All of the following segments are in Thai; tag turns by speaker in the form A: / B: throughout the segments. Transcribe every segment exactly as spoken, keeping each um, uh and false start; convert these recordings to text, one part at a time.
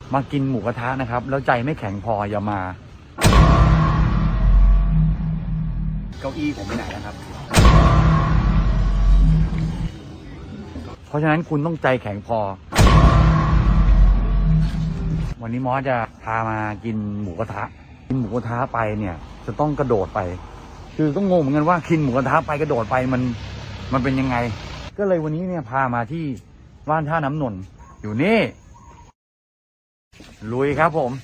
A: มากินหมูกระทะนะครับแล้วใจไม่แข็งพออย่ามาเก้าอี้ผมไปไหนนะครับเพราะฉะนั้นคุณต้องใจแข็งพอวันนี้มอสจะพามากินหมูกระทะกินหมูกระทะไปเนี่ยจะต้องกระโดดไปคือต้องงงเหมือนกันว่ากินหมูกระทะไปกระโดดไปมันมันเป็นยังไงก็เลยวันนี้เนี่ยพามาที่บ้านท่าน้ำนนท์อยู่นี่ลุยครับผม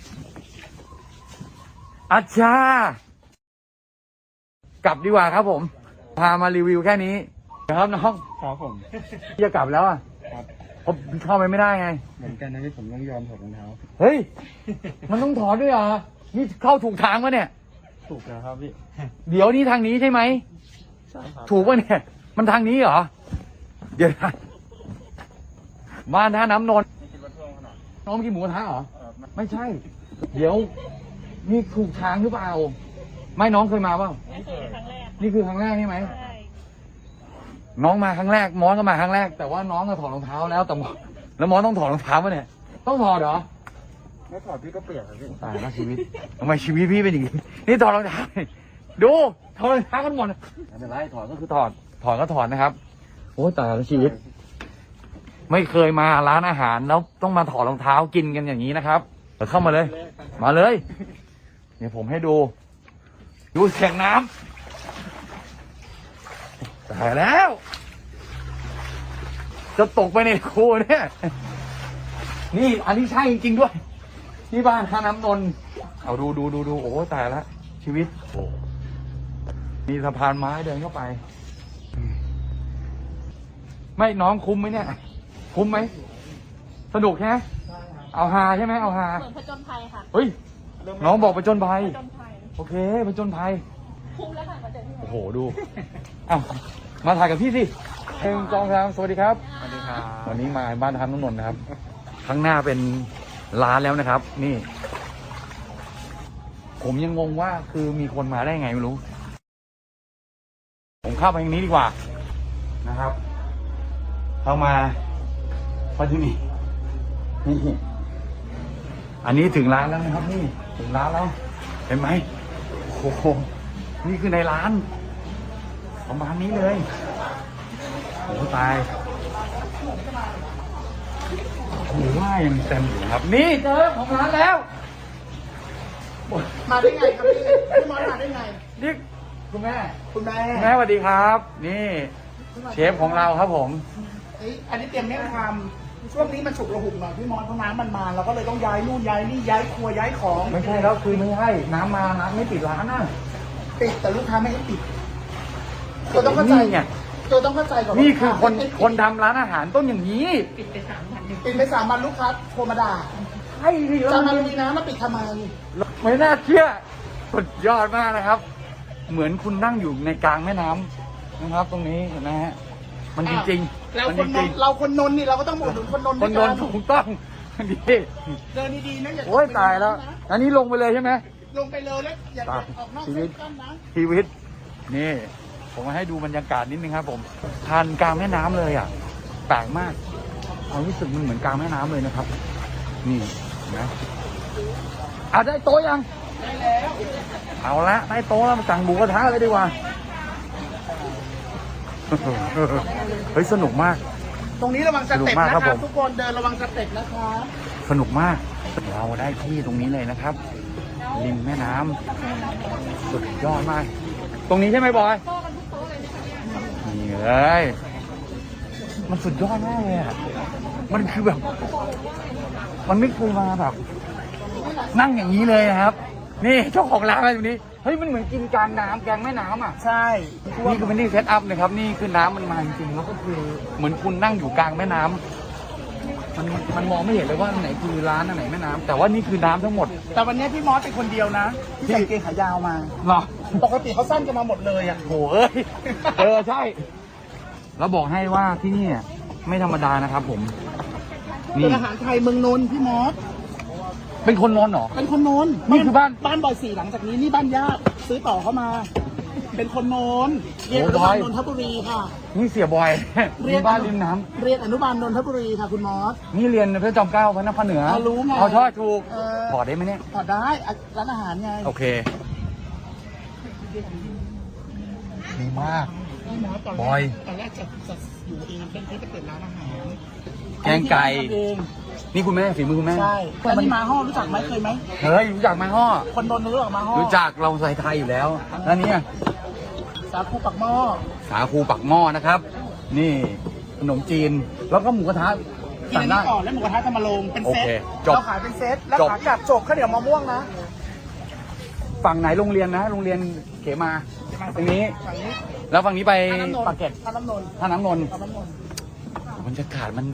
A: อาชากลับดีกว่าครับผมพามารีวิวแค่นี้ครับน้อง
B: ครับผม
A: จะกลับแล้วอ่ะ
B: ครับ
A: ผมเข้าไปไม่ได้ไง
B: เหมือนกันนะที่ผมต้องยอมถอดรองเท้า
A: เฮ้ยมันต้องถอดด้วยเหรอนี่เข้าถูกทางปะเนี่ย
B: ถูกแล้วครับพี่
A: เดี๋ยวนี้ทางนี้ใช่ไหม
B: ใช่ครับ
A: ถูกปะเนี่ยมันทางนี้เหรอเดี๋ยวนะบ้านท่าน้ำนนท์น้องกินหมูกระทะเหรอไม่ใช่เดี๋ยวนี่ถูกทางหรือเปล่าไม่น้องเคยมาเปล่า
C: ไม่เคยครั้งแรก
A: นี่คือครั้งแรกใช่ไหม
C: ใช่
A: น้องมาครั้งแรกมอสก็มาครั้งแรกแต่ว่าน้องก็ถอดรองเท้าแล้วแต่มอสแล้วมอสต้องถอดรองเท้าป่ะเนี่ยต้องถอดเหรอ
B: ไม่ถอดพี่ก็เปียกครับพี่
A: ตายแล้วชีวิตทำไมชีวิตพี่เป็นอย่างนี้นี่ถอดรองเท้าดูถอดรองเท้ากันหมดไม่เป็นไรถอดก็คือถอดถอดก็ถอดนะครับโอ้ตายแล้วชีวิตไม่เคยมาร้านอาหารแล้วต้องมาถอดรองเท้ากินกันอย่างนี้นะครับเดี๋ยวเข้ามาเลยมาเลยเดี๋ยวผมให้ดูดูเสียงน้ำตายแล้วจะตกไปในคูเนี่ยนี่อันนี้ใช่จริงๆด้วยที่บ้านท่าน้ำนนท์เอาดูดูดูดูโอ้ตายแล้วชีวิตโอ้มีสะพานไม้เดินเข้าไปไม่น้องคุ้มไหมเนี่ยคุ้มไหมสนุกใช่ไหมเอาฮาใช่ไหมเอาฮา
C: เหมือนผจญภัยค่ะ
A: เฮ้ยน้องบอกผจญภัย
C: ผจญภัย
A: โอเคผจญภัย
C: คุ้มแล้วค่ะมาเจอที่ไหน
A: โอ้โหดูอ้าวมาถ่ายกับพี่สิหนึ่งสองสามสวัสดีครับ
B: สวัสดีครับ
A: วันนี้มาบ้านท่าน้ำนนท์นะครับข้างหน้าเป็นร้านแล้วนะครับนี่ผมยังงงว่าคือมีคนมาได้ไงไม่รู้ผมเข้าไปทางนี้ดีกว่านะครับเข้ามาพอที่นี่นี่อันนี้ถึงร้านแล้วนะครับนี่ถึงร้านแล้วเห็นไหมโอ้โหนี่คือในร้านประมาณนี้เลยโอ้ตายโอ้ว่ายังเต็มอยู่ครับนี่เจอของร้านแล้ว
D: มาได้ไงครับพี่พี่มอสมาได้ไง
A: นี่คุณแม่
D: คุณแม่
A: แม่สวัสดีครับนี่เชฟของเราครับผม
D: อันนี้เตรียมเมี่ยงคำช่วงนี้มันฉุกระหุกหน่อยพี่มอสเพราะน้ำมันมาเราก็เลยต้องย้ายนู่นย้ายนี่ย้ายครัวย้ายของ
A: ไม่ใช่แล้วคือไม่ใช่น้ำมาน้ำไม่ปิดร้านนะ
D: ปิดแต่ลูกค้าไม่ให้ปิดตัวต้องเข้าใจ
A: ไง
D: ตัวต้องเข้าใจก่อน
A: นี่คือคนคนทำร้านอาหารต้องอย่างนี้
D: ปิดไปสามวันปิดไปสามวันลูกค้าโทรมาด่า
A: ใช่ดิ
D: จะมาลุยน้ำมาปิดทำไม
A: ไม่น่าเชื่อสุดยอดมากนะครับเหมือนคุณนั่งอยู่ในกลางแม่น้ำนะครับตรงนี้เห็นไหมฮะมันจริงๆ
D: เราคนนนเราคนนนนี่เราก็ต้องอุดหนุนคนนน
A: คนนนถูกต้องดี
D: เดินดีๆนะอย่า
A: โอ้ยตายแล้วอันนี้ลงไปเลยใช่ไหม
D: ลงไปเลยแล้วอย่าออกนอกเส้นกันนะ
A: ชีวิตนี่ผมมาให้ดูบรรยากาศนิดนึงครับผมทานกลางแม่น้ำเลยอ่ะแปลกมากความรู้สึกมันเหมือนกลางแม่น้ำเลยนะครับนี่นะอ่ะได้โต๊ะยัง
D: ได้แล้ว
A: เอาละได้โต๊ะแล้วมาสั่งหมูกระทะเลยดีกว่าเฮ้ยสนุกมาก
D: ตรงนี้ระวังสเต็ปนะครับทุกคนเดินระวังสเต็ปนะครับ
A: สนุกมากเราได้ที่ตรงนี้เลยนะครับริมแม่น้ำสุดยอดมากตรงนี้ใช่ไหมบอยนี่เลยมันสุดยอดมากเลยอ่ะมันคือแบบมันไม่เคยมาแบบนั่งอย่างนี้เลยนะครับนี่เจ้าของร้านอะไรตรงนี้เฮ้ยมันเหมือนกินกลางน้ำกลางแม่น้ำอ่ะ
D: ใช่
A: นี่คือเป็นที่เซตอัพนะครับนี่คือน้ำมันมาจริงๆแล้วก็คือเหมือนคุณนั่งอยู่กลางแม่น้ำมันมันมองไม่เห็นเลยว่าไหนคือร้านอันไหนแม่น้ำแต่ว่านี่คือน้ำทั้งหมด
D: แต่วันนี้พี่มอสเป็นคนเดียวนะที่ใส่เกงขายาวมา
A: เหรอ
D: ปกติเขาสั้นกันมาหมดเลยอ่ะ
A: โหเอ้ยเออใช่แล้วบอกให้ว่าที่นี่ไม่ธรรมดานะครับผม
D: นี่อาหารไทยเมืองนนท์พี่มอส
A: เป็นคนนนท์เหรอ
D: เป็นคนนนท์
A: นี่คือบ้าน
D: บ้านบอยสี่หลังจากนี้นี่บ้านญาติซื้อต่อเข้ามาเป็นคนโน้นเรียนอนุบาลนนทบุรีค่ะ
A: นี่เสียบอยมีบ้านริมน้
D: เรียนอนุบาลนนทบุรีค่ะคุณมอส
A: ำนี่เรียนพระจอมเกล้าพระนครเหนือ
D: เรารู้ไง
A: เอาทอดถูก
D: เออ
A: ถอดได้ไหมเนี่ย
D: ถอดได้อ่ะร้านอาหารไง
A: โอเค ดีมาก
D: พี่มอสตอน
A: บ
D: แร
A: อย
D: กตอนแรกจะจะอยู่เองเป็นที่จะเปิดร้านอาหาร
A: แกงไก่
D: ทำเอง
A: นี่คุณแม่ฝีมือคุณแม่
D: ใช่แล้วนี่มาห้อรู้จักไหมเคยไหม
A: เฮ้ยรู้จักไหมห่อ
D: คนโดนรู้จักมาห้อ
A: รู้จักเราใส่ไทยอยู่แล้วแล้วเนี่ย
D: สาคูปักหม้อ
A: สาคูปักหม้อนะครับ นี่ขนมจีนแล้วก็หมูกระทะ
D: กิน
A: สั่
D: อั
A: ง
D: น
A: ได้
D: นี้ก่อนแล้วหมูกระทะจะมาลงเป็นเซต
A: โอเคจบ
D: เราขายเป็นเซตแล้ว
A: จบ
D: ขากลับจบข้าวเหนียวมะม่วงนะ
A: ฝั่งไหนโรงเรียนนะโรงเรียนเขมาตรงนี้
D: ฝั่งนี้
A: แล้วฝั่งนี้ไป
D: ท่าน้ำนนท์
A: ปากเกร็ด
D: ท่าน้ำนนท์
A: ท่าน้ำนนท์
D: ท่าน้ำนนท์
A: บรรยากาศมัน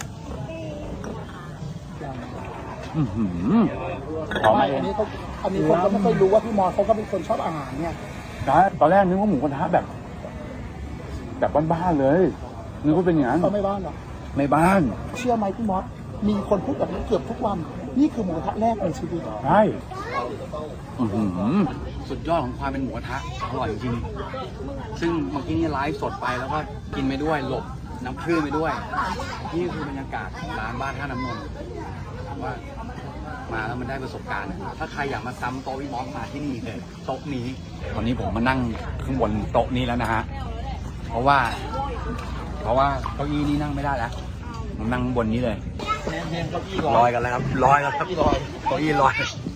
A: อื้อหือขอมาเอ
D: อั
A: ง
D: นนี้เขาอันนี้คนก็ไม่ค่อยรู้ว่าพี่มอสเขาก็เป็นคนชอบอาหารเนี่ย
A: นะตอนแรกนึกว่าหมูกระทะแบบ แบบบ้านๆเลยนึกว่าเป็นอย่างนั้น
D: เขาไม่บ้านหรอก
A: ในบ้าน
D: เชื่อไหมพี่มอสมีคนพูดแบบนี้เกือบทุกวัน นี่คือหมูกระทะแรกในชีวิต
A: ใช่อื้อหือสุดยอดของความเป็นหมูกระทะอร่อยจริงๆซึ่งเมื่อกี้นี่ไลฟ์สดไปแล้วก็กินไปด้วยหลบน้ำคลื่นไปด้วย นี่คือบรรยากาศร้านบ้านท่าน้ำนนท์ว่ามาแล้วมันได้ประสบการณ์ ถ้าใครอยากมาซ้ำโต๊ะวิมอสมาที่นี่เลยโต๊ะนี้ตอนนี้ผมมานั่งข้างบนโต๊ะนี้แล้วนะฮะเพราะว่า เพราะว่าเก้าอี้นี้นั่งไม่ได้แล้วผมนั่งบนนี้เลยลอยกันแล้วครับลอยกันครับเก้าอี้ลอย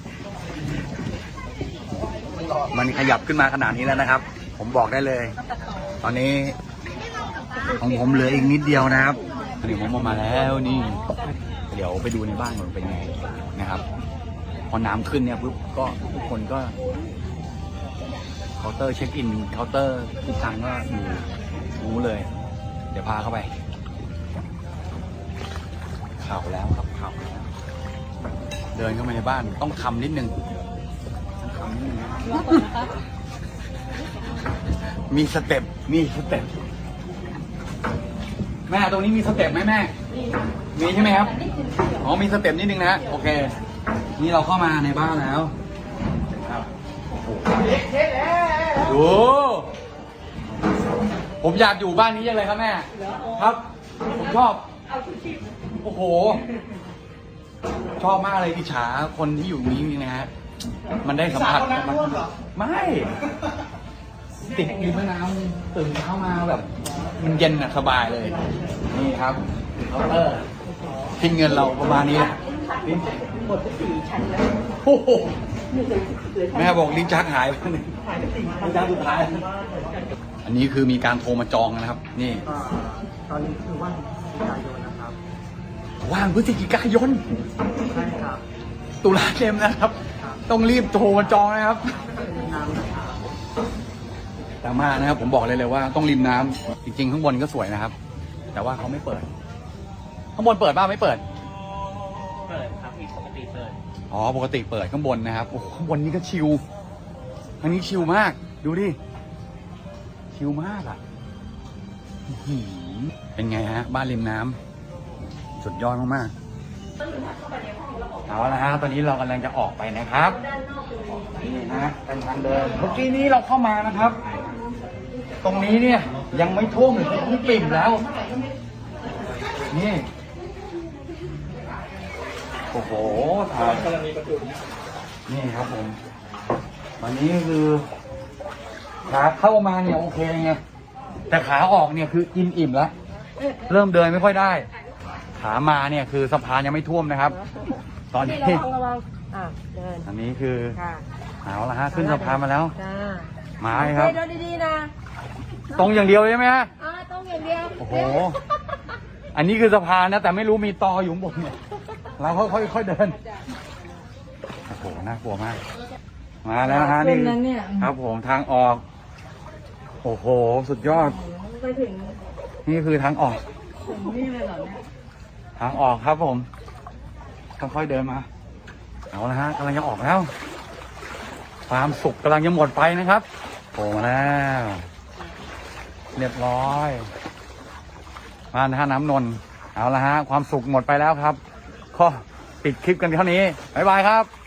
A: มันขยับขึ้นมาขนาดนี้แล้วนะครับ ผมบอกได้เลย ตอนนี้ของผมเหลืออีกนิดเดียวนะครับเดี๋ยวผมออกมาแล้วนี่ เดี๋ยวไปดูในบ้านมันเป็นไงนะครับ พอน้ำขึ้นเนี่ยปุ๊บก็ทุกคนก็เคาน์เตอร์เช็คอินเคาน์เตอร์ทุกครั้งก็อยู่รู้เลย เดี๋ยวพาเข้าไปข่าวแล้วครับข่าวแล้วเดินเข้ามาในบ้านต้องคำนิดนึงต้องคำนิดนึงนะมีสเต็ปมีสเต็ปแม่ตรงนี้มีสเต็ปไหมแม่มีใช่ไหมครับอ๋อมีสเต็ปนิดนึงนะโอเคนี่เราเข้ามาในบ้านแล้วครับดูผมอยากอยู่บ้านนี้ยังเลยครับแม่ครับผมชอบโอ้โหชอบมากเลยอิจฉาคนที่อยู่นี้นะฮะมันได้สัมผัสไม่ติดริมแม่น้ำตื่นเช้ามาแบบ มันเย็นอะสบายเลยนี่ครับเคาน์เตอร์ทิ้งเงินเราประมาณนี้แหละโอ้โหแม่บอกลิ้นชักหายไปหนึ่งลิ้นชักสุดท้ายอันนี้คือมีการโทรมาจองนะครับ นี่
B: ตอนนี้คือว่างพฤศจิกายนนะครับ
A: ว่างพฤศจิกายน
B: ใช่ครับ
A: ตุลาเต็มนะครับ ต้องรีบโทรมาจองนะครับ
B: น้ำนะครับ
A: แต่มานะครับ ผมบอกเลยเลยว่าต้องริมน้ำจริงๆข้างบนก็สวยนะครับ แต่ว่าเขาไม่เปิด ข้างบนเปิดบ้างไม่เปิด
B: เปิดครับปกติเปิด
A: อ๋อปกติเปิดข้างบนนะครับโอ้โหข้างบนนี้ก็ชิลทางนี้ชิลมาก ดูดิชิลมากอ่ะอื้อหือเป็นไงฮะ บ้านริมน้ำสุดยอดมากๆเอาละฮะตอนนี้เรากำลังจะออกไปนะครับนี่นะเป็นทางเดินเมื่อกี้นี้เราเข้ามานะครับ ตรงนี้เนี่ยยังไม่ท่วมเลยที่ปิ่มแล้วนี่โอ้โหถ่ายนี่ครับผมวันนี้คือขาเข้ามาเนี่ยโอเคไงแต่ขาออกเนี่ยคือกินอิ่มแล้วเริ่มเดินไม่ค่อยได้ ขามาเนี่ยคือสะพานยังไม่ท่วมนะครับ ตอนนี้
C: ระวังระวังอ่ะเดิน
A: อันนี้คือ
C: ค่ะ
A: เอาละฮะขึ้นสะพานมาแล้ว
C: จ้า
A: มาเลยครับ
C: เดินดีๆนะ
A: ตรงอย่างเดียวใช่ไหมฮะ
C: อ่าต้องอย่างเดียว
A: โอ้โห อันนี้คือสะพานนะแต่ไม่รู้มีตออยู่ข้างบนเนี่ยเราค่อยๆค่อยๆเดินโอ้โหน่ากลัวมาก มาแล้วนะฮะนี่ครับผมทางออก โอ้โหสุดยอด
C: ไปถึง
A: นี่คือทางออก
C: ถึงนี่เลยเหรอเนี่ย
A: ทางออกครับผมค่อยๆเดินมา เอาละฮะกำลังจะออกแล้ว ความสุขกำลังจะหมดไปนะครับโผล่มาแล้วเรียบร้อยบ้านท่าน้ำนนท์เอาละฮะความสุขหมดไปแล้วครับก็ปิดคลิปกันเท่านี้บ๊ายบายครับ